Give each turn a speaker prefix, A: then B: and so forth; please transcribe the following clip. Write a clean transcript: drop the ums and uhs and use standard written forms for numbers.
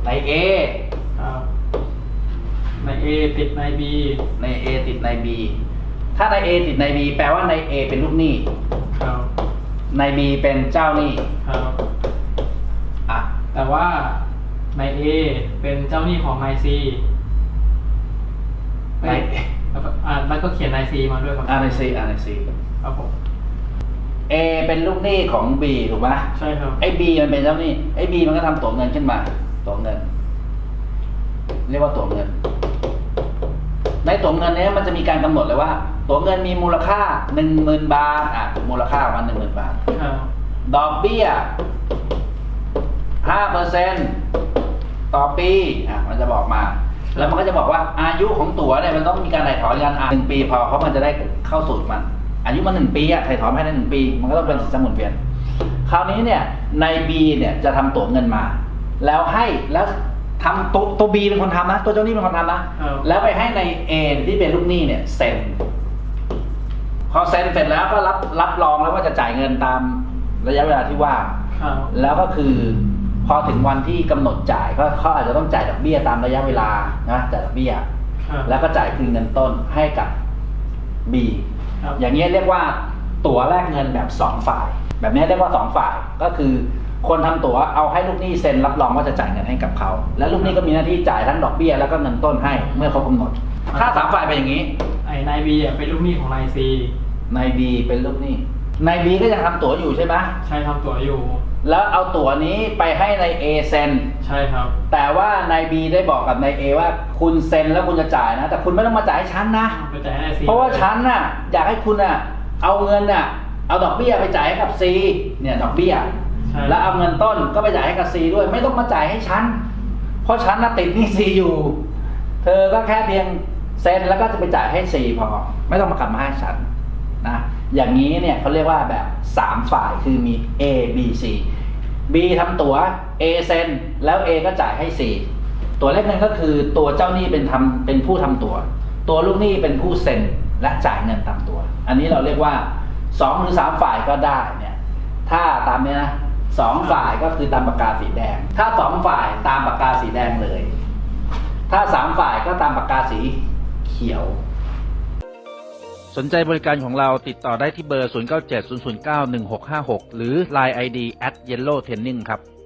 A: ใน A
B: ครับใน A ติดใน B
A: ใน A ติดใน B ถ้าใน A ติดใน B แปลว่าใน A เป็นลูกหนี้
B: ครับ
A: ใน B เป็นเจ้าหนี้
B: ครับ
A: อ่ะ
B: แต่ว่าใน A เป็นเจ้าหนี้ของนาย C
A: ใน
B: แล้วก็เขียนนาย C มาด้วยครับ
A: ใน C ใน C
B: ครับผม
A: A เป็นลูกหนี้ของ B ถูกไหม
B: ใช่ครับ
A: ไอ้ B มันเป็นเจ้าหนี้ไอ้ B มันก็ทำตั๋วเงินขึ้นมาตั๋วเงิน เรียกว่าตั๋วเงิน ในตั๋วเงินนี้มันจะมีการกำหนดเลยว่าตั๋วเงินมีมูลค่า 10,000 บาทมูลค่าประมาณ 10,000 บาท
B: ครับ
A: ดอกเบี้ย 5% ต่อปีมันจะบอกมา แล้วมันก็จะบอกว่าอายุของตั๋วเนี่ยมันต้องมีการถ่ายถอนกัน1 ปีพอเพราะมันจะได้เข้าสูตรมัน อายุมัน1 ปีถ่ายถอนภายใน1 ปี มันก็ต้องเป็นสินทรัพย์หมุนเวียน คราวนี้เนี่ยใน B เนี่ยจะทำตั๋วเงินมา แล้วทำตัว B เป็นคนทำนะ ตัวเจ้าหนี้เป็นคนทำนะ แล้วไปให้ใน A ที่เป็นลูกหนี้เนี่ยเซ็น พอเซ็นเสร็จแล้วก็รับรองแล้วว่าจะจ่ายเงินตามระยะเวลาที่ว่า
B: ครับ
A: แล้วก็คือพอถึงวันที่กำหนดจ่ายก็เขาอาจจะต้องจ่ายดอกเบี้ยตามระยะเวลานะจ่ายดอกเบี้ย
B: ครับ
A: แล้วก็จ่ายคืนเงินต้นให้กับ B
B: ครับ
A: อย่างนี้เรียกว่าตั๋วแลกเงินแบบ2 ฝ่าย แบบนี้เรียกว่า2 ฝ่ายก็คือคนทำตั๋วเอาให้ลูกหนี้เซ็นรับรองว่าจะจ่ายเงินให้กับเขาแล้วลูกหนี้ก็มีหน้าที่จ่ายทั้งดอกเบี้ยแล้วก็เงินต้นให้เมื่อเขากำหนดถ้า3 ฝ่ายเป็นอย่างนี้
B: ไอ้นาย B เป็นลูกหนี้ของนาย C
A: นาย B เป็นลูกหนี้นาย B ก็ยังทำตั๋วอยู่ใช่ไหม
B: ใช่ทำตั๋วอยู่
A: แล้วเอาตั๋วนี้ไปให้นาย A เซ็น
B: ใช่ครับ
A: แต่ว่านาย B ได้บอกกับนาย A ว่าคุณเซ็นแล้วคุณจะจ่ายนะแต่คุณไม่ต้องมาจ่ายให้ฉันนะ
B: ไปจ่ายให้นาย C
A: เพราะว่าฉันน่ะอยากให้คุณน่ะเอาเงินน่ะเอาดอกเบี้ยไปจ่ายให้กับ C เนี่ยดอกเบี้ย
B: ใช่
A: แล้วเอาเงินต้นก็ไปจ่ายให้กับ C ด้วยไม่ต้องมาจ่ายให้ฉันเพราะฉันน่ะติดหนี้ C อยู่ เธอก็แค่เพียงเซ็นแล้วก็จะไปจ่ายให้ C พอไม่ต้องมากลับมาให้ฉันนะอย่างนี้เนี่ยเขาเรียกว่าแบบ3 ฝ่ายคือมี A B C B ทำตั๋ว A เซ็นแล้ว A ก็จ่ายให้ C ตัวเลขนั้นก็คือตัวเจ้าหนี้เป็นผู้ทำตั๋วตัวลูกหนี้เป็นผู้เซ็นและจ่ายเงินตามตั๋วอันนี้เราเรียกว่า2 หรือ 3 ฝ่ายก็ได้เนี่ยถ้าตามเนี้ยนะ2 ฝ่ายก็คือตามปากกาสีแดงถ้า2 ฝ่ายตามปากกาสีแดงเลยถ้า3 ฝ่ายก็ตามปากกาสีเขียวสนใจบริการของเราติดต่อได้ที่เบอร์ 0970091656 หรือ Line ID @yellowtraining ครับ